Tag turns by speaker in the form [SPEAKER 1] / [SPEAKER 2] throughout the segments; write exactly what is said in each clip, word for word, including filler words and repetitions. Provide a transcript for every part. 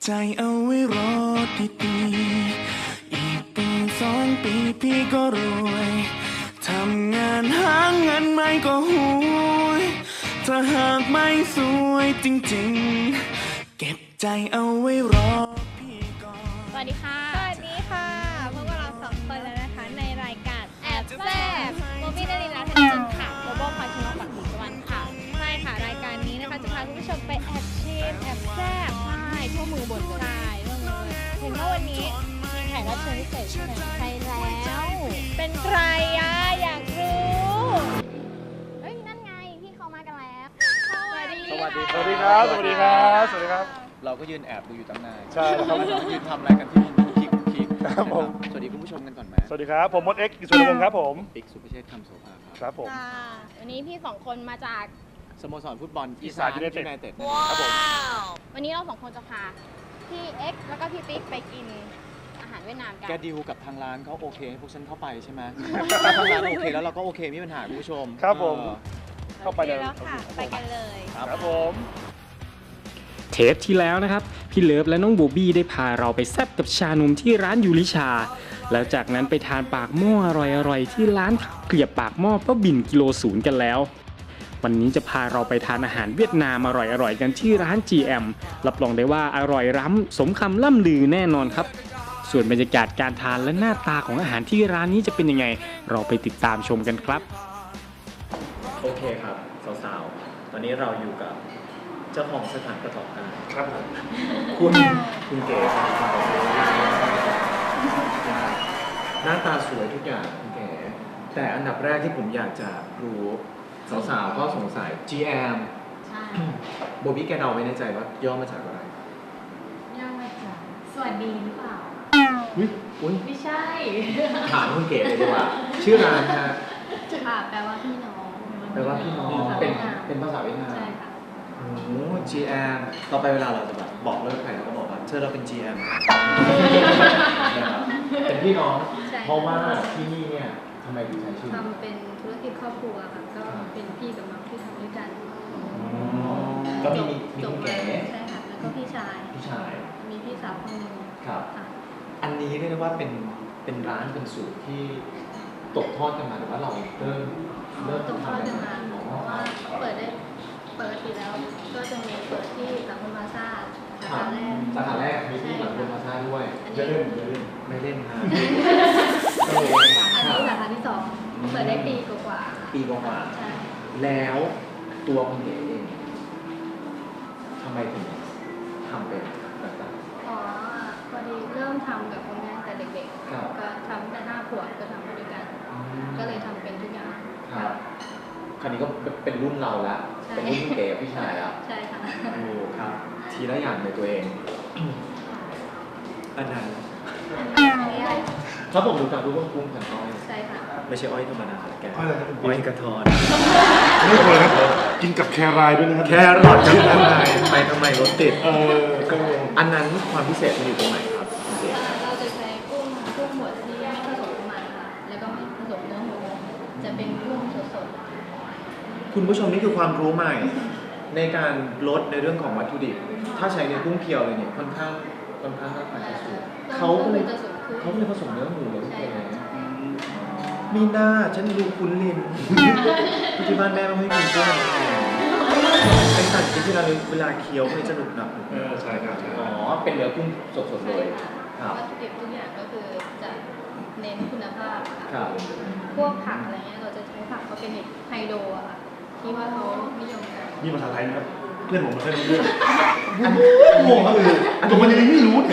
[SPEAKER 1] ใจเอาไว้รอดีๆอีกปีสองปีพี่ก็รวยทำงานหาเงินไม่ก็หุยถ้าหากไม่สวยจริงๆเก็บใจเอาไว้รอพี่ก่อน
[SPEAKER 2] สวัสดีค่ะ
[SPEAKER 3] สวัสดีค่ะพบกับเราสองคนแล้วนะคะในรายการแอบแซ่บโมบี้นรินทร์และธนจันทร์ค่ะโบโบพาชิโนปักหมุดสวรรค์ค่ะใช่ค่ะรายการนี้นะคะจะพาคุณผู้ชมไปแอบชิมแอบแซ่บใช่ทั่วมือบนใช่ทั่วมือเห็นว่าวันนี้มีแขกรับเชิญพิเศษใช่ไหมใช่แล้วเป็นใครอะอยากรู้เฮ้ยนั่นไงพี่เขามากันแล้วสวัสดี
[SPEAKER 4] สวัสดี
[SPEAKER 5] สวัสดีครับ สวัสดีครับ สวัสดีครับ
[SPEAKER 4] เราก็ยืนแอบดูอยู่ตั้งนาน
[SPEAKER 5] ใช่แล้วครับ
[SPEAKER 4] เรายืนทำอะไรกันที่คุกคิกคุกคิก
[SPEAKER 5] ครับผม
[SPEAKER 4] สวัสดีคุณผู้ชมกันก่อนไหม
[SPEAKER 5] สวัสดีครับ ผมมดเอ็กซ์กิจสุวรรณวงศ์ครับผม
[SPEAKER 4] ปิ๊กสุภเชษฐ์คำโสภาครับ
[SPEAKER 5] ครับผม
[SPEAKER 3] ค่ะวันนี้พี่สองคนมาจาก
[SPEAKER 4] สโมสรฟุตบอล
[SPEAKER 5] อี
[SPEAKER 4] อี
[SPEAKER 5] สา
[SPEAKER 4] สาน น
[SPEAKER 5] ยู
[SPEAKER 4] ยู
[SPEAKER 5] ไน
[SPEAKER 4] ไน
[SPEAKER 5] เต็ด
[SPEAKER 4] เต็ด
[SPEAKER 5] ครับผม
[SPEAKER 3] วันนี้เราสองคนจะพาพี่เอ็กซ์แล้วก็พี่ปิ๊กไปกินอาหารเวียดนามกัน
[SPEAKER 4] แกดีลกับทางร้านเขาโอเคให้พวกฉันเข้าไปใช่ไหมถ้าทางร้านโอเคแล้วเราก็โอเคไม่มีปัญหาคุณผู้ชม
[SPEAKER 5] ครับผม
[SPEAKER 4] เออ
[SPEAKER 5] เข้าไปเลย
[SPEAKER 3] แล้วค่ะ ไปกันเลย
[SPEAKER 5] ครับผม
[SPEAKER 6] เทปที่แล้วนะครับพี่เลิฟและน้องโบบี้ได้พาเราไปแซ่บกับชานมที่ร้านยูริชา แล้วจากนั้นไปทานปากหม้ออร่อยๆที่ร้านข้าวเกลียบปากหม้อป้าบิ่นกิโลศูนย์กันแล้ว วันนี้จะพาเราไปทานอาหารเวียดนามอร่อยๆกันที่ร้าน จี เอ็ม รับรองได้ว่าอร่อยล้ำสมคำล่ำลือแน่นอนครับส่วนบรรยากาศการทานและหน้าตาของอาหารที่ร้านนี้จะเป็นยังไงเราไปติดตามชมกันครับโอเคครับสาวๆตอนนี้เราอยู่กับเจ้าของสถานประกอบการ
[SPEAKER 5] ครับผม
[SPEAKER 6] คุณคุณเก๋หน้าตาสวยทุกอย่างคุณเก๋แต่อันดับแรกที่ผมอยากจะรู้สาวๆก็สงสัย จี เอ็ม
[SPEAKER 2] ใช่
[SPEAKER 6] โบบี้แกเดาไว้ในใจว่าย่อมาจากอะไร
[SPEAKER 2] ย่อมาจากสวัสดีหรือเปล่า
[SPEAKER 6] อุ้ยอุ้ย
[SPEAKER 2] ไม่ใช่
[SPEAKER 6] ถามคุณเก๋เลยดีกว่า ชื่อร้านนะ
[SPEAKER 2] ค่ะแปลว่าพี่น้อง
[SPEAKER 6] แปลว่าพี่น้องเป็นเป็นภาษาเวียดนาม
[SPEAKER 2] ใช่ค่ะ
[SPEAKER 6] โอ้ จี เอ็ม ต่อไปเวลาเราจะแบบบอกเลิกใครเราก็บอกว่าเธอเราเป็น จี เอ็ม นะครับเป็นพี่น้อง
[SPEAKER 2] ใช่
[SPEAKER 6] เพราะว่าที่นี่เนี่ยทำไมถึงใช้ชื่อ
[SPEAKER 2] ทำเป็นธุรกิจครอบครัวค่ะก็เป็นพี่กับน้องที่ทำด้วยกัน
[SPEAKER 6] ก็มีมีมี
[SPEAKER 2] จบ
[SPEAKER 6] คุณ
[SPEAKER 2] มา
[SPEAKER 6] เก๋
[SPEAKER 2] ใช่ค่ะแล้วก็พี่ชาย
[SPEAKER 6] พี่ชาย
[SPEAKER 2] มีพี่สาวคนหนึง
[SPEAKER 6] ครับ
[SPEAKER 2] ค่ะ
[SPEAKER 6] อันนี้เรียกได้ว่าเป็นเป็นร้านเป็นสูตรที่ตกทอดกันมาหรือว่าเราเริ่มเริ่ม
[SPEAKER 2] ตกทอดกันมา
[SPEAKER 6] อ๋อ
[SPEAKER 2] เพราะว่าเปิดได้ปกติแล้วก็จะมีเปิดที่หลังพลาซ่าสาขาแรก
[SPEAKER 6] สาขาแรกมีที่หลังบนมาซ่าด้วย
[SPEAKER 2] อัน
[SPEAKER 5] จะ
[SPEAKER 2] นี้
[SPEAKER 5] เล่นจะเล่น
[SPEAKER 6] ไม่เล่นนะ
[SPEAKER 2] สาขาที่สาขาที่สองเปิดได้ปีกว่าๆ
[SPEAKER 6] ปีกว่า
[SPEAKER 2] ใช่
[SPEAKER 6] ๆแล้วตัวคุณเก๋เองทำไมถึงทำเป็นแบบนั้น
[SPEAKER 2] อ๋อพอดีเริ่มทำกับคุณแม่แต่เด็ก
[SPEAKER 6] ครับ
[SPEAKER 2] ๆก็ทำแต่ห้าขวบก็ทำมาด้วยกัน ก็เลยทำเป็นทุกอย่าง
[SPEAKER 6] ครับคราวนี้ก็เป็นรุ่นเราละ
[SPEAKER 2] ใช่
[SPEAKER 6] เป็นรุ่นคุณเก๋กับพี่ชายละ
[SPEAKER 2] ใช่ค่ะ
[SPEAKER 6] โอ้ครับ ทีละอย่างในตัวเอง อันนั้นครับผมดูจากรูปว่ากุ้งพันอ้อย
[SPEAKER 2] ใช่ค่ะ
[SPEAKER 6] ไม่ใช่อ้อยธรรมดาแก
[SPEAKER 5] อ้อยอะไรครับคุณ
[SPEAKER 6] อ้อยกระทอน
[SPEAKER 5] ไม่เคยครับกินกับแครายด้วยนะครับ
[SPEAKER 6] แครอทกับอะไรไปทำไมรถติด
[SPEAKER 5] เออก็
[SPEAKER 6] อันนั้นความพิเศษมันอยู่ตรงไหนครับคุณเก๋
[SPEAKER 2] เราจะใช้กุ้งกุ้งบดที่ไม่ผสมน้ำมันค่ะ แล้วก็ไม่ผสมเนื้อหมู จะเป็นกุ้งสด
[SPEAKER 6] คุณผู้ชมนี่คือความรู้ใหม่ ในการลดในเรื่องของวัตถุดิบ ถ้าใช้ในกุ้งเพียวเลยเนี่ยค่อนข้างค่อนข้างราคาจะสูง
[SPEAKER 2] ๆ
[SPEAKER 6] เขาก็เลย
[SPEAKER 2] จะสูงขึ้น
[SPEAKER 6] เขาก็เลยผสมเนื้อหมูเลย
[SPEAKER 2] ใช่
[SPEAKER 6] ใช่ไหม
[SPEAKER 2] ค่ะ
[SPEAKER 6] มีหน้าฉันดูคุ้นลิน ที่บ้านแม่ไม่ให้กินกุ้งไอ้สัตว์กินที่เราเวลาเคี้ยวมันจะหนุบหนับ
[SPEAKER 5] เออใช่ครับใช่
[SPEAKER 6] อ๋อ เป็นเนื้อกุ้งสดๆเล
[SPEAKER 2] ใช่
[SPEAKER 6] ย
[SPEAKER 2] ค่ะ
[SPEAKER 6] ครับ
[SPEAKER 2] วัตถุดิบทุกอย่างก็คือจะเน้นคุณภาพ
[SPEAKER 6] ค
[SPEAKER 2] ค่ะ
[SPEAKER 6] รับ
[SPEAKER 2] พวกผักอะไรเงี้ยเราจะใช้ผักออร์แกนิกไฮโดรอะค่ะที่ว่าเขานิยมกัน
[SPEAKER 5] นี่ภาษาไทยนะครับ เพื่อนผมไม่เคยรู้เรื่อง
[SPEAKER 6] อัน
[SPEAKER 5] งงครับคือผมมันยังไม่รู้เนี่ย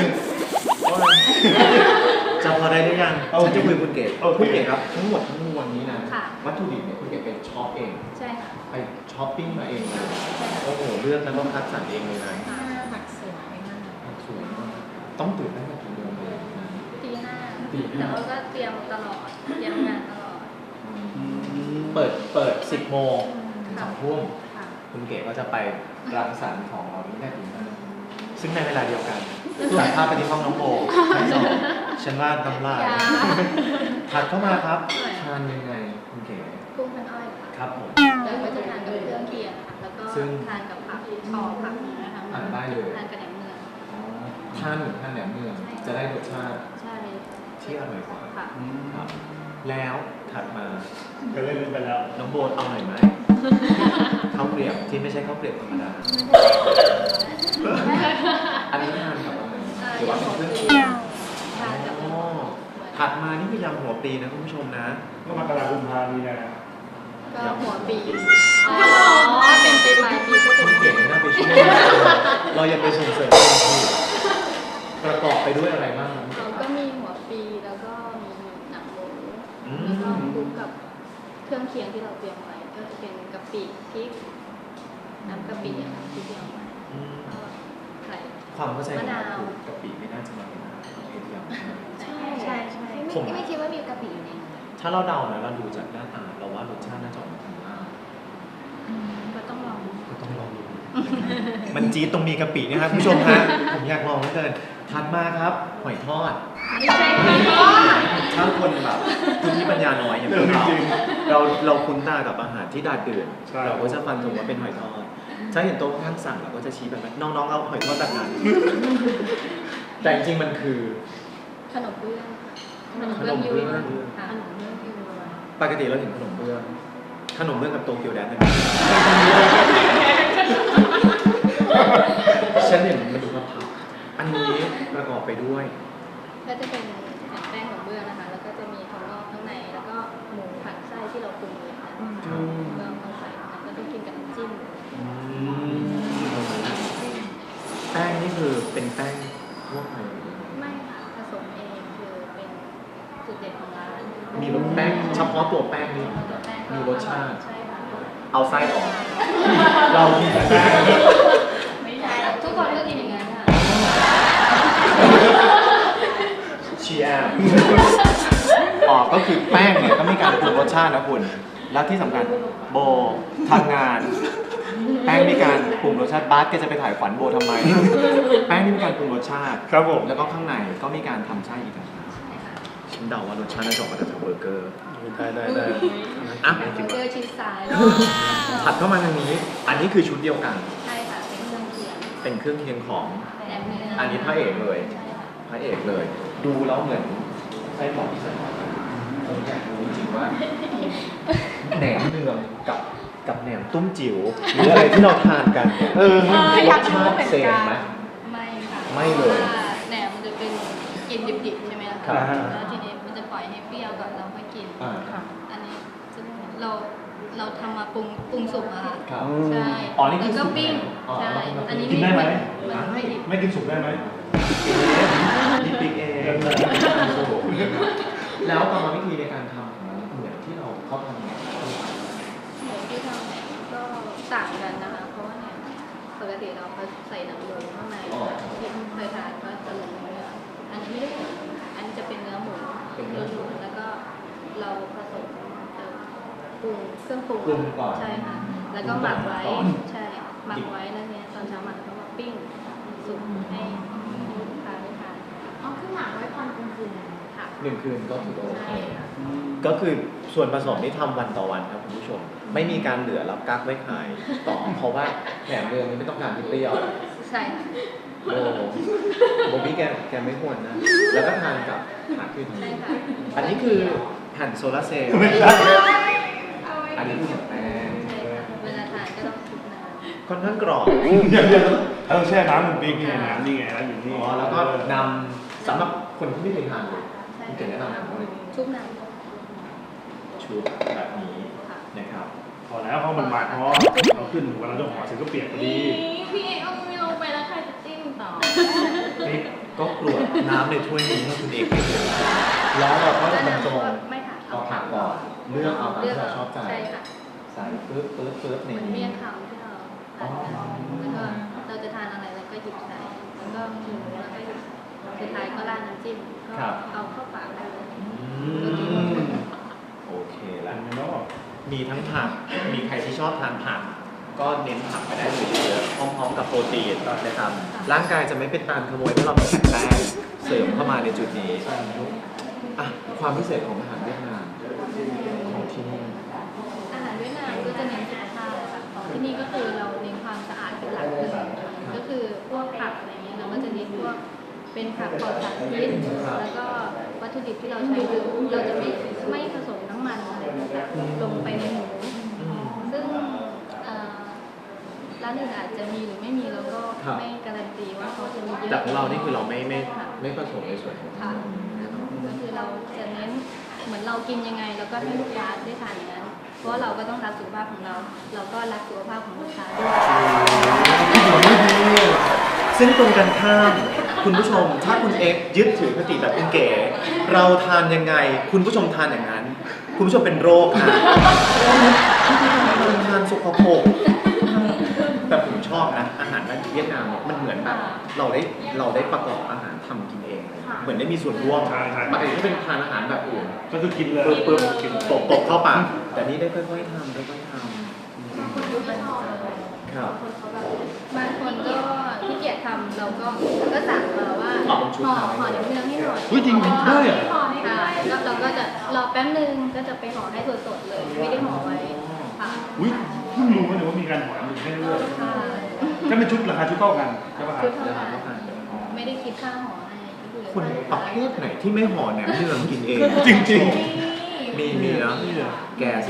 [SPEAKER 6] จำพอได้หรือยัง
[SPEAKER 5] โอเค
[SPEAKER 6] ฉันจะคุยกับคุณเกศ
[SPEAKER 5] โอเค
[SPEAKER 6] คุณเกศครับ ทั้งหมดทั้งมวลนี้นะ
[SPEAKER 2] ค่ะ
[SPEAKER 6] วัตถุดิบเนี่ยคุณเกศไปช็อปเอง
[SPEAKER 2] ใช่ค่ะ
[SPEAKER 6] ไปช้อปปิ้งมาเองเลย โอ้โห เลือกแล้วก็คัดสรรเองเลยนะ
[SPEAKER 2] ผักสวยมาก
[SPEAKER 6] สวยมากต้องตื่นตั้งแต่กี่โมงเลย
[SPEAKER 2] ตีห้า
[SPEAKER 6] ตีห้า
[SPEAKER 2] แต่ว่าก็เตรียมตลอด เตรียมงานตลอด
[SPEAKER 6] เปิด เปิดสิบโมงถึงส
[SPEAKER 2] ค่ะ
[SPEAKER 6] องทุ่ม
[SPEAKER 2] ค่ะ
[SPEAKER 6] คุณเก๋ก็จะไปรังสรรค์ของเราที่ได้ถึงนั้นซึ่งในเวลาเดียวกันตัดภาพไปที่ห้องน้องโบชั้นสองฉันว่าน้ำลาย
[SPEAKER 2] ยา
[SPEAKER 6] ถัดเข้ามาครับ ทานยังไงคุณเก๋
[SPEAKER 2] กุ้งพันอ้อยค่ะ
[SPEAKER 6] ครับผม
[SPEAKER 2] แล้วก็จะทานกับเครื่องเคียงค่ะ แล้วก็
[SPEAKER 6] ซึ่ง
[SPEAKER 2] ทานกับผักห่อผักนะคะ
[SPEAKER 6] ทานได้เลย
[SPEAKER 2] ทานกับแหนมเนือง
[SPEAKER 6] อ๋อ
[SPEAKER 4] ทานเหมือนทานแหนมเนืองจะได้รสชาติ
[SPEAKER 2] ใช่
[SPEAKER 4] ที่อร่อยกว่า
[SPEAKER 2] ค่ะ
[SPEAKER 4] ครับแล้วถัดมา
[SPEAKER 5] ก็เล่นไปแล้ว
[SPEAKER 4] น้องโบนเอาหน่อยไหม ข้าวเกลียบที่ไม่ใช่ข้าวเกลียบธรรมดา อันนี้ทานกับอะไรหรือว่าเป็นเครื่องเคียง
[SPEAKER 2] ทานกับ
[SPEAKER 4] อ๋อถัดมานี่คือยำหัวปลีนะคุณผู้ชมนะ
[SPEAKER 5] ก็มากรากุมภามีนา
[SPEAKER 2] ก็หัวปีอ๋อเป็นปีใหม่ปีก็
[SPEAKER 4] ค
[SPEAKER 2] เป็น
[SPEAKER 4] นเก่งน่าไปช่วยเรายังไปส่งเสริมคนที่ประกอบไปด้วยอะไรบ้างครับ
[SPEAKER 2] เราก็มีหัวปีแล้วก็มีหนังหมู
[SPEAKER 4] อืม
[SPEAKER 2] แล้วก็คลุกกับเครื่องเคียงที่เราเตรียมไว้ก็จะเป็นกะปิพริกน้ำกะปิอะค่ะที่เตรียมไว้
[SPEAKER 4] อืม
[SPEAKER 2] ก็ไข่
[SPEAKER 4] ความเข้าใจของ
[SPEAKER 2] มะนาว
[SPEAKER 4] เราคือกะปิไม่น่าจะมาเป็นอาหารประเภทเดียวนะ
[SPEAKER 2] ใช่ใช่ใช่
[SPEAKER 4] ผม
[SPEAKER 2] ไม่ไม่คิดว่ามีกะปิอยู่ในนั้น
[SPEAKER 4] ถ้าเราเดานะเราดูจากหน้าตาเราว่ารสชาติน่าจะออกมาทางมาก
[SPEAKER 2] ก็ต้องลอง
[SPEAKER 4] ก็ต้องลองดู มันจี๊ดตรงมีกะปิเนะครับคุณผู้ชมฮะ ผมอยากลองเหลือเกินถัดมาครับหอยทอด
[SPEAKER 2] ไม่ใช่ไข่ทอด
[SPEAKER 4] ถ้าคนแบบคุณที่ปัญญาน้อยอย่างพวกเราเราเราคุ้นตากับอาหารที่ดาดเดือนเราก็จะฟันถึงว่าเป็นหอยทอดถ้าเห็นโต๊ะข้างสั่งเราก็จะชี้แบบนั้นน้องๆเอาหอยทอดแบบนั้น แต่จริงๆมันคือ
[SPEAKER 2] ขนมเบื้องขนม
[SPEAKER 4] ข
[SPEAKER 2] เบื้
[SPEAKER 4] น
[SPEAKER 2] อง
[SPEAKER 4] ม
[SPEAKER 2] ยู
[SPEAKER 4] เบื้อง
[SPEAKER 2] ค่ะขนมเบื้องยู
[SPEAKER 4] ปกติเราเห็นขนมเบื้องขนมเบื้องกับโตเกียวแดนซ์ฉันเห็นมันดูกระเพราอันนี้ประกอบไปด้วย
[SPEAKER 2] ก็จะเป็นแป้งขนมเบื้องนะคะ แล้วก็จะมีถั่วงอกข้างในแล้วก็หมูผัดไส้ที่เราปรุงเองนะเราเอาใส่แล้วก็ต้องกินกับน้ำจิ้ม
[SPEAKER 4] แป้งนี่คือเป็นแป้งทั่วไป
[SPEAKER 2] ไม่ค่ะผสมเองคือเป็นจุดเด่นของร้าน
[SPEAKER 4] มีรสแป้งเฉพาะตัวแป้งนี่
[SPEAKER 2] ตัวแป้งก็
[SPEAKER 4] มีรสชาติ
[SPEAKER 2] ใช่ค่ะ
[SPEAKER 4] เอาไส้ออก เรากินแต่แป้ง
[SPEAKER 2] ไม่ใช่ทุกคนก็กินอย่างนั้นค่ะ
[SPEAKER 4] ชีแอมอ๋อก็คือแป้งเนี่ยก็มีการปรุงรสชาตินะคุณ แล้วที่สำคัญโบทำงาน แป้งมีการปรุงรสชาติบาสแกจะไปถ่ายขวัญโบทำไม แป้งนี่มีการปรุงรสชาติ
[SPEAKER 5] ครับผม
[SPEAKER 4] แล้วก็ข้างในก็มีการทำไส้อีกต่างหากฉันเดาว่ารสชาติน่าจะออกมาจากเบอร์เกอร์
[SPEAKER 5] ได้ได้ได้
[SPEAKER 4] อ่ะ
[SPEAKER 2] เบอร์เกอร์ชีสสาย
[SPEAKER 4] ถัดเข้ามาทางนี้ อันนี้คือชุดเดียวกัน
[SPEAKER 2] ใช่ค่ะเป็นเครื่องเคียง
[SPEAKER 4] เป็นเครื่องเคียงของ
[SPEAKER 2] แหนมเนื้อ
[SPEAKER 4] อั
[SPEAKER 2] อั
[SPEAKER 4] นนี้พระเอกเลย
[SPEAKER 2] ใช่ค่ะ
[SPEAKER 4] พระเอกเลย ดูแล้วเหมือนไส้หมอกที่ใส่มาผมอยากรู้จริงๆว่าแหนมเนืองกับกับแหนมตุ้มจิ๋วหรืออะไรที่เราทานกันเนี่ย
[SPEAKER 5] เออ
[SPEAKER 4] รสชาติเซมไหม
[SPEAKER 2] ไม่ค่ะ
[SPEAKER 4] ไม่เลย
[SPEAKER 2] พราะว่าแหนมมันจะเป็นกินดิบๆใช่ไหมล่ะ
[SPEAKER 4] ครั
[SPEAKER 2] คะ
[SPEAKER 4] บ
[SPEAKER 2] แล้วทีนี้มันจะปล่อยให้เปรี้ยวก่อนเราค่อยกิน
[SPEAKER 4] อ่า
[SPEAKER 2] อันนี้จะเราเราทำมาปรุงปรุงสุกอะค่ะ
[SPEAKER 4] ครับ
[SPEAKER 2] ใช่
[SPEAKER 4] อ๋อนี่คือ
[SPEAKER 2] แล้วก็ปิ้ง
[SPEAKER 4] สุกแล้วอ๋อ
[SPEAKER 2] ใช่
[SPEAKER 4] แล้วก็
[SPEAKER 2] อันนี้
[SPEAKER 5] กินได้ไหม
[SPEAKER 2] มันไม่ดิบ
[SPEAKER 5] ไม่กินสุกได้ไหม
[SPEAKER 4] นี่ปิ๊กเองแล้วกรรมวิธีในการทำของมันเหมือนที่เราเขาทำเนี่ย
[SPEAKER 2] หมูที่ทำแหนมก็ต่างกันนะคะ เพราะว่าแหนมปกติเราใส่หนังหมูข้างในที่เคยทานก็จะลงเนื้ออันนี้ไม่ได้อันนี้จะเป็นเนื้อหมูล้วนๆแล้วก็เราผสมเอ่อปรุงเครื่องปรุง
[SPEAKER 4] ปรุงก่อน
[SPEAKER 2] ใช่ค่ะ แล้วก็หมักไว้
[SPEAKER 4] ก่อน
[SPEAKER 2] ใช่หมักไว้แล้วเนี้ยตอนเช้าหมักแล้วก็มาปิ้งสุกให้ลูกค้าได้ทาน
[SPEAKER 3] อ๋อคือหมักไว้ตอนกลางคืน
[SPEAKER 2] ค่ะ
[SPEAKER 4] หนึ่งคืนก็ถือว่าโอเค
[SPEAKER 2] ใช่ค่ะ
[SPEAKER 4] ก็คือส่วนผสมที่ทำวันต่อวันครับคุณผู้ชม ไม่มีการเหลือแล้วกักไว้ขายต่อ เพราะว่าแหนมเนืองนี้ไม่ต้องการที่เปรี้ยว
[SPEAKER 2] ใช่ค่ะ
[SPEAKER 4] โอ้โบบี้แกแกไม่ควรนะ แล้วก็ทานกับผักขึ้น
[SPEAKER 2] ใช่ค่ะ
[SPEAKER 4] อันนี้คือแผ่นโซลาร์เซลล์
[SPEAKER 5] ไม่ใช่
[SPEAKER 4] อันนี้คือแป้ง
[SPEAKER 2] ใช่ค่ะเวลาทานก็ต้องคลุกน้
[SPEAKER 4] ค่อนข้างกรอบ
[SPEAKER 5] เดี๋ยวเดี๋ยวเราต้องแช่น้ำมันปีกนี่น้ำนี่ไงน้ำอยู่นี่
[SPEAKER 4] อ๋อแล้วก็นำสำหรับคนที่ไม่เคยทานเลย
[SPEAKER 2] ำใช่
[SPEAKER 4] คุณเก๋แนะนำเลย
[SPEAKER 2] ชุบน้ำ
[SPEAKER 4] ชุดแบบนี้
[SPEAKER 2] ค่ะ
[SPEAKER 4] นะครับ
[SPEAKER 5] พอแล้วเพราะมันหมักเพราะเราขึ้นเวลาเราห่อเสร็จก็เปียกพอดี
[SPEAKER 3] พี่เอกเอามือลงไปแล้วใครจะจิ้มต่อ
[SPEAKER 4] นี่ก็กรวดน้ำในถ้วยนี้ให้คุณเอกไปเลยแล้วเราก็จะบรรจง
[SPEAKER 2] ไม่ค่ะ
[SPEAKER 4] เอาผักก่อนเลือกเอาตามที่เราชอบใจ
[SPEAKER 2] ใช่ค่ะ
[SPEAKER 4] ใส่ปึ๊บปึ๊บปึ๊บใน
[SPEAKER 2] เหมือน
[SPEAKER 4] นี้
[SPEAKER 2] เมี่ยงคำที่เราทานกันแล้วก็เราจะทานอะไรเราก็หยิบใส่แล้วก็หมูแล้วก็หยิบสุดท้ายก็ราดน้ำจิ้มก็เอาเข้าปากได้เลย
[SPEAKER 4] อืมโอเคแล้ว
[SPEAKER 5] เนาะ
[SPEAKER 4] มีทั้งผัก มีใครที่ชอบทานผัก ก็เน้นผักไปได้เลยเยอะๆพร้อมๆกับโปรตีนนะครับ ร่างกายจะไม่เป็นตามขโมยเพราะเรามีแป้งเสริมเข้ามาในจุดนี้อ่ะความพิเศษของอาหารเวียดนามของที่นี่
[SPEAKER 2] อาหารเวียดนามก็จะเน้นสุขภาพค่ะของที่นี่ก็คือเราเน้นความสะอาดเป็นหลักเลยก็คือพวกผักอะไรเงี้ยเราก็จะเน้นพวกปลอดสารพิษแล้วก็วัตถุดิบที่เราใช้คือเราจะไม่ไม่ผสมน้ำมันอะไรต่างๆลงไปในหมูซึ่งเอ่อร้านอื่นอาจจะมีหรือไม่มีเราก็ไม่การันตีว่าเขาจะมีเยอะ
[SPEAKER 4] แต่ของเรานี่คือเราไม่ไม่ไม่ผสมในส่วนของ
[SPEAKER 2] ค่ะก็คือเราจะเน้นเหมือนเรากินยังไงแล้วก็ให้ลูกค้าได้ทานอย่างนั้นเพราะเราก็ต้องรักสุขภาพของเรา เราก็รักสุขภาพของลูกค้าด้วย
[SPEAKER 4] ซึ่งตรงกันข้ามคุณผู้ชมถ้าคุณเอ็กซ์ยึดถือคติแบบคุณเก๋เราทานยังไงคุณผู้ชมทานอย่างนั้น คุณผู้ชมเป็นโรคนะเราทานสกปรกแต่ผมชอบนะอาหารเวียดนามเนี่ยมันเหมือนแบบเราได้เราได้ประกอบอาหารทำกินเองเหมือนได้มีส่วนร่วมปกติถ้าเป็นทานอาหารแบบอื่น
[SPEAKER 5] ก็คือกินเลย
[SPEAKER 4] ปึ๊บปึ๊บกินตกตกเข้าปากแต่นี่ได้ค่อยๆทำค่อยๆทำครับ
[SPEAKER 2] บางคนก็ขี้เกียจทำเราก็ก็สั่งมาว่า
[SPEAKER 4] อ๋อเป็นชุด
[SPEAKER 2] ห่อ
[SPEAKER 4] ทำ
[SPEAKER 2] ห่อเนื้อให้หน่อย
[SPEAKER 5] เฮ้ยจริงๆได้เหรอ
[SPEAKER 2] ค่ะแล้วเราก็จะรอแป๊บนึงก็จะไปห่อให้สดๆเลย ไม่ได้ห่อไว้ค่ะ
[SPEAKER 5] อุ้ยเพิ่งรู้นะว่ามีการหอมอยู่ให้ด้วย
[SPEAKER 2] ค่ะ
[SPEAKER 5] ก็เป็นชุดราคาชุดเท่ากันใช่ป่ะครั
[SPEAKER 2] ชุ
[SPEAKER 5] บ
[SPEAKER 2] ดเท่านั้นไม่ได้คิดค่าห่อให้ก็คือ
[SPEAKER 4] คนประเภทไหนที่ไม่ห่อแหนมเนืองกินเอง
[SPEAKER 5] จริง
[SPEAKER 4] มีมีนะแกสิ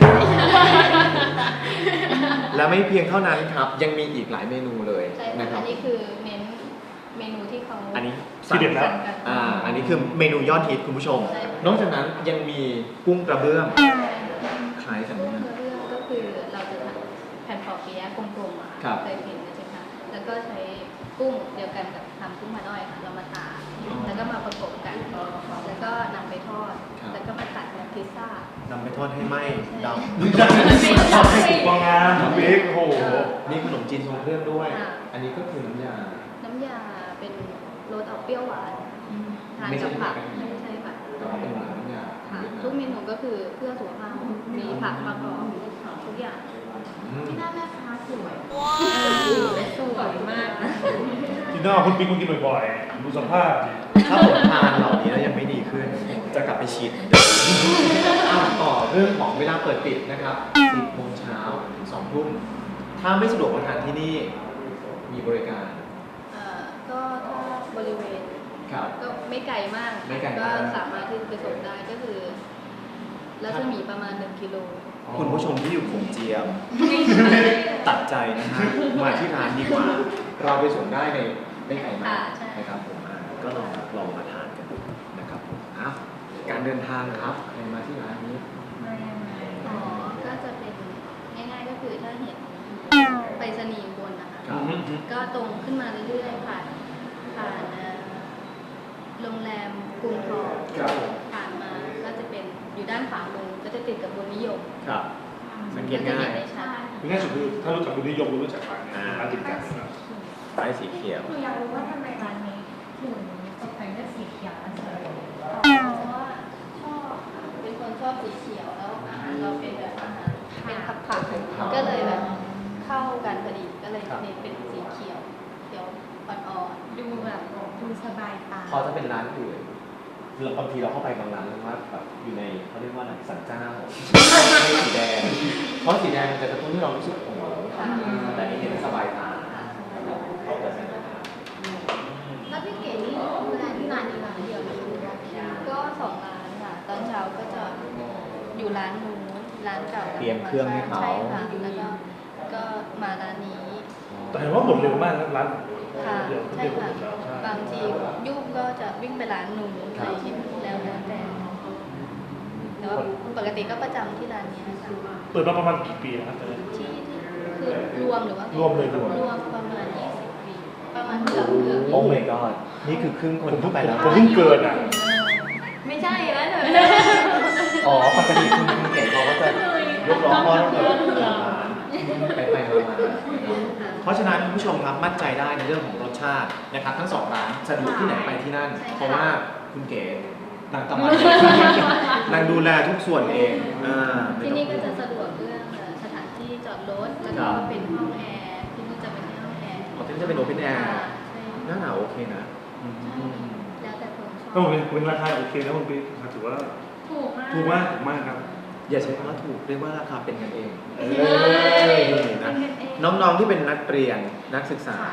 [SPEAKER 4] และไม่เพียงเท่านั้นครับยังมีอีกหลายเมนูเลย
[SPEAKER 2] ใช่
[SPEAKER 4] นะค
[SPEAKER 2] ค่ะ
[SPEAKER 4] รั
[SPEAKER 2] อั
[SPEAKER 4] บ
[SPEAKER 2] นนี้คือเน้นเมนูที่เขา
[SPEAKER 4] อันนี้
[SPEAKER 5] ที่เด็ดแล้ว
[SPEAKER 4] อ่าอันนี้คือเมนูยอดฮิตคุณผู้ชม นอกจากนั้นยังมีกุ้งกระเบื้องคล้ายกันไหม
[SPEAKER 2] เรื่อง
[SPEAKER 4] นะ
[SPEAKER 2] ก็คือเราจะทำแผ่นปอเปี๊ยะกลมๆอะ
[SPEAKER 4] ครับ
[SPEAKER 2] เคยเห็นใช่ไหมคะแล้วก็ใช้กุ้งเดียวกันกับทำกุ้งมาด้อยค่ะเรามาตากแล้วก็มาประกบกัน แล้วก็นำไปทอด แล้วก็มาตัดแบบพิซซ่าน
[SPEAKER 4] ำไปทอดให้ไหมด
[SPEAKER 5] ทำให้สุกพองามน้ำพริกโอ้โห
[SPEAKER 4] ำนี่ขนมจีนทรงเครื่องด้วย อันนี้ก็คือน้ำยา
[SPEAKER 2] น้ำยาเป็นรสออกเปรี้ยวหวานทาน
[SPEAKER 4] ไม่ใช่
[SPEAKER 2] กับผัก
[SPEAKER 4] ไม่
[SPEAKER 2] ไม่
[SPEAKER 4] ใช่
[SPEAKER 2] ใช่ผัก
[SPEAKER 4] แต่ว่าเป็นน้ำยา
[SPEAKER 2] ค่ะทุกเมนูก็คือเพื่อสุขภาพมีผักประกอบทุกอย่าง
[SPEAKER 4] อืม
[SPEAKER 2] ที่หน้าแม่ค้าสวยสวยมาก
[SPEAKER 5] ที่หน้าคุณปิ๊กมากินบ่อยๆดูสภาพดิ
[SPEAKER 4] ถ้าผมทานเหล่านี้แล้วยังไม่ดีขึ้น จะกลับไปฉีดอ้าวต่อเรื่องของเวลาเปิดปิดนะครับสิบโมงเช้าถึงสองทุ่มถ้าไม่สะดวกมาทานที่นี่มีบริการ
[SPEAKER 2] เอ่อก็ถ้าบริเวณ
[SPEAKER 4] ครับ
[SPEAKER 2] ก็ไม่ไกลมาก
[SPEAKER 4] ไม่ไกล
[SPEAKER 2] ก็
[SPEAKER 4] มาก
[SPEAKER 2] สามารถที่จะไปส่งได้ก็คือรัศมีประมาณหนึ่งกิโล
[SPEAKER 4] คุณผู้ชมที่อยู่ขงเจียม ตัดใจนะฮะมาที่ร้านดีกว่า เราไปส่งได้ในไม่ไกลมาก
[SPEAKER 2] ค่ะใช่
[SPEAKER 4] นะครับผมอ่าก็ลองลองมาทานกันดูนะครับผมอ้าวการเดินทางครับใครมาที่ร้านนี้
[SPEAKER 2] อ๋อก็จะเป็นง่ายๆก็คือถ้าเห็นไปรษณีย์บนนะคะ
[SPEAKER 4] ครับ
[SPEAKER 2] ก็ตรงขึ้นมาเรื่อยๆผ่านผ่านเอ่อโรงแรมกรุงทอง
[SPEAKER 4] ครับ
[SPEAKER 2] ผ่านมาก็จะเป็นอยู่ด้านขวามือก็จะติดกับบุญนิยม
[SPEAKER 4] ครับ สังเกตง่าย
[SPEAKER 2] จะห็นได้ชัด
[SPEAKER 5] ง่ายสุดคือถ้ารู้จักคุณนิยมรู้จักร้านนี้ร้านติดกันนะครับ
[SPEAKER 4] ป้ายสีเขียว
[SPEAKER 7] หนูอยากรู้ว่าทำไมร้านนี้ถึงตกแต่งด้วยสีเขียวและสีเหลือง
[SPEAKER 2] เพราะว่าชอบเป็นคนชอบสีเขียวแล้วอาหารเราเป็นแบบอาหารเป็นผักผักๆก็เลยแบบเข้ากันพอดีก็เลยเน้นเป็นสีเขียวเขียวอ่อน
[SPEAKER 7] ดูแบบดูสบายตา
[SPEAKER 4] พอจะเป็นร้านอื่นเราบางทีเราเข้าไปบางร้านแล้วว่าแบบอยู่ในเขาเรียกว่าอะไรสันเจ้าไม่สีแดง เพราะสีแดงมันจะกระตุ้นให้เรารู้สึกโอ้โหแต่อันนี่เห็นสบายตาเข้ากับสายตา
[SPEAKER 7] แล้วพี่เก๋นี่ดูแลที่ร้านนี้ร้านเดียวนะคะหรือว่า
[SPEAKER 2] ๆก็สองร้านค่ะตอนเช้าก็จะอยู่ร้านนู้นร้านเก่า
[SPEAKER 4] เตรียมเครื่องให้เขา
[SPEAKER 2] ใช่ค่ะแล้วก็ก็มาร้านนี้
[SPEAKER 5] แต่เห็นว่าหมดเร็วมากนะร้าน
[SPEAKER 2] ค่ะ
[SPEAKER 5] เดี๋ยว
[SPEAKER 2] ใช่
[SPEAKER 5] เดี๋ยวผม
[SPEAKER 2] ค่ะ
[SPEAKER 5] จะใช่
[SPEAKER 2] บางทียุ่งก็จะวิ่งไปร้านนู้นอะไรอย่างเงี้ยแล้วแล้วแต่แต่ว่าปกติก็ประจำที่ร้านนี้ค่ะ
[SPEAKER 5] เปิดมาประมาณกี่ปีนะครับ
[SPEAKER 2] ที่คือรวมหรือว่าร
[SPEAKER 5] วมเลยรวม
[SPEAKER 2] รวมประมาณยี่สิบปีประมาณเกือบเกือบ
[SPEAKER 4] โอ้ my god นี่คือครึ่งคน
[SPEAKER 5] ผมเพิ่
[SPEAKER 4] เข้าง ไปแล้ว
[SPEAKER 5] ผมเพิ่งเกิดอ่ะ
[SPEAKER 2] ไม่ใช่แล้วเนอะ
[SPEAKER 4] อ๋อปกติคุณคุณเก๋เขาก็จะยกล้อพ่อตั้งแต่ไปไปมามาเพราะฉะนั้นคุณผู้ชมครับมั่นใจได้ในเรื่องของรสชาตินะครับทั้งสองร้านสะดวกที่ไหนไปที่นั่น เพราะว่าคุณเก๋นางตะมันนางดูแลทุกส่วนเองอ่าไม่
[SPEAKER 2] ที่
[SPEAKER 4] ต้อง
[SPEAKER 2] นี่ก็จะสะดวกเรื่องเอ่อสถานที่จอดรถแล้วก็เป็นห้องแอร์ที่นู่นจะเป็นห้องแอร์
[SPEAKER 4] อ๋อที่นี่จะเป็นโอเพนแอร์
[SPEAKER 2] ค่ะ
[SPEAKER 4] หน้าหนาวโอเคนะอืม
[SPEAKER 2] แล้วแต่คนช
[SPEAKER 5] ก็
[SPEAKER 2] อบ
[SPEAKER 5] เป็นเป็นราคาโอเคนะคุณปิ๊กถือว่า
[SPEAKER 7] ถูกมาก
[SPEAKER 5] ถูกมากถูกมากครับ
[SPEAKER 4] อย่าใช้คำว่าถูกเรียกว่าราคาเป็นกันเอง
[SPEAKER 5] เอ
[SPEAKER 4] นะน้องๆที่เป็นนักเรียนนักศึกษา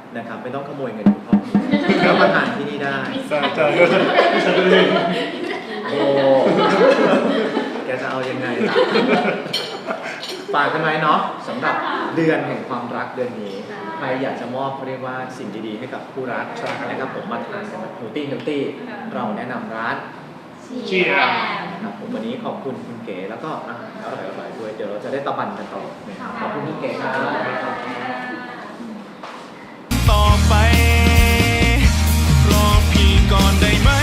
[SPEAKER 4] นะครับไม่ต้องขโมยเงินคุณพ่อแล้วมาทานที่นี่ได้
[SPEAKER 5] สาใจก็ฉันเอง
[SPEAKER 4] โอ้แกจะเอายังไงล่ะฝากกันไว้เนาะสำหรับเดือนแห่งความรักเดือนนี้ใครอยากจะมอบเขาเรียกว่าสิ่งดีๆให้กับคู่รักนะครับผมมาทานกันแบบเฮลตี้เฮลตี้เราแนะนำร้าน
[SPEAKER 5] เชียร์
[SPEAKER 4] ครับผมวันนี้ขอบคุณคุณเก๋แล้วก็อาหารอร่อยๆด้วยเดี๋ยวเราจะได้ตะบันกันต่อนะครับขอบคุณคุณเก๋ครับ
[SPEAKER 1] ต่อไปรอพี่ก่อนได้ไหม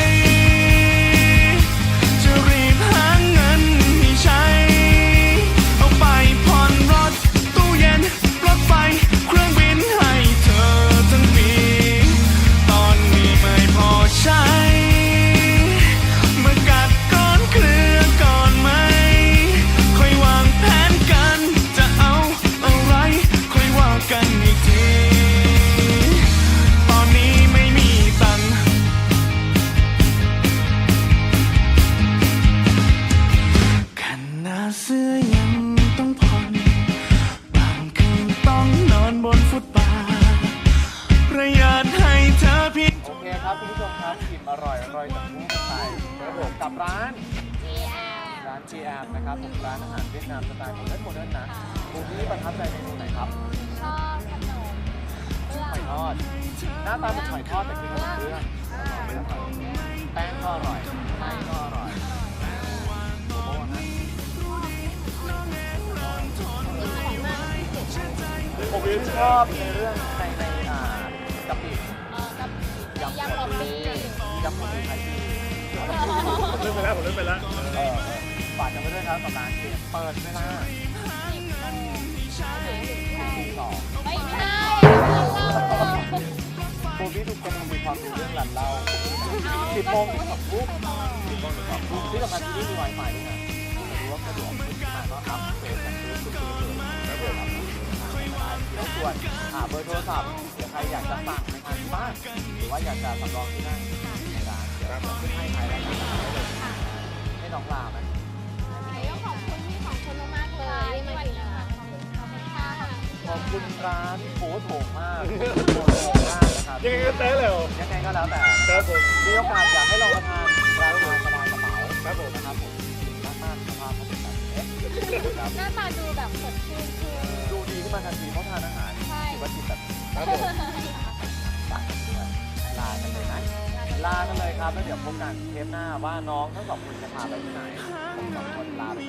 [SPEAKER 1] จะรีบหาเงินให้ใช้เอาไปผ่อนรถตู้เย็นรถไฟเครื่องบินให้เธอทั้งปีตอนนี้ไม่พอใช้มากัดก้อนเครือก่อนไหมค่อยวางแผนกันจะเอาอะไรค่อยว่ากันอีกทีตอนนี้ไม่มีตังค์ขนาดเสื้อยังต้องผ่อนบางคืนต้องนอนบนฟุตบาทประหยัดให้เธอเพียง
[SPEAKER 4] โอเคครับคุณผู้ชมครับกินอร่อยอร่อยจากผู้กันไปครับผมกับร้าน ร้าน จี แอม นะครับผมร้านอาหารเวียดนามสไตล์โมเดิร์นโมเดิร์นนะบูบี้ประทับใจเมนูไหนครับ
[SPEAKER 3] ชอบขนมเบื้อง
[SPEAKER 4] หอยทอดหน้าตาเป็นหอยทอดแต่คือขนมเบื้องแป้งก็อร่อยไส้ก็อร่อยโอ้โหนะผมชอบในเรื่องในในอ่ากะปิ
[SPEAKER 3] เอ่อกับยำป๊อปปี้
[SPEAKER 4] ยำหมูไทยดี
[SPEAKER 5] ผมเล่นไปแล้วผมเล่นไปแล้ว
[SPEAKER 4] เออฝากกันไปด้วยครับกับร้านเกมเปิดเวลา
[SPEAKER 3] สิบโมงใช่
[SPEAKER 4] ตีสอง
[SPEAKER 3] ไม่ใช่
[SPEAKER 4] โบบี้ทุกคนมีความรู้เรื่องหลันเล่าสิบโมงถึงสองทุ่มสิบโมงถึงสองทุ่มที่สำคัญที่นี่มี Wi-Fi ด้วยนะจะรู้ว่าสะดวกขึ้นมาก็อัพเกรดกันซื้อสุดๆเลยครับผมแล้วส่วนอ่าเบอร์โทรศัพท์เดี๋ยวใครอยากจะสั่งไปทานที่บ้านหรือว่าอยากจะสำรองที่นั่งในร้านเดี๋ยวเราขึ้นให้ภายในร้านได้เลยให้น้องลาไหม
[SPEAKER 3] ก็ขอบคุณที่ขอบคุณมากๆเลยที่มากินอาหารขอบคุณขอบคุณค่ะ
[SPEAKER 4] ขอบคุณร้านโอ้โถงมากโถงมากนะครับ
[SPEAKER 5] ยังไงก็เต้เลยเหรอ
[SPEAKER 4] ยังไงก็แล้วแต่
[SPEAKER 5] ครับผม
[SPEAKER 4] มีโอกาสอยากให้ลองมาทานร้านอาหารสบายกระเป๋า
[SPEAKER 5] ครับผม
[SPEAKER 4] นะครับผมหน้าตาสภาพเขาเป็นแบบนี้ครับ
[SPEAKER 3] หน้าตาดูแบบสดชื่นคือ
[SPEAKER 4] ดูดีขึ้นมาทันทีเพราะทานอาหาร
[SPEAKER 3] ใช่
[SPEAKER 4] ถือว่าจิตแบบ
[SPEAKER 5] ครับผม
[SPEAKER 4] ฝากกันด้วยลากันเลยนะลากันเลยครับแล้วเดี๋ยวพบกันเทปหน้าว่าน้องทั้งสองคนจะพาไปที่ไหนผมสองคนลาไป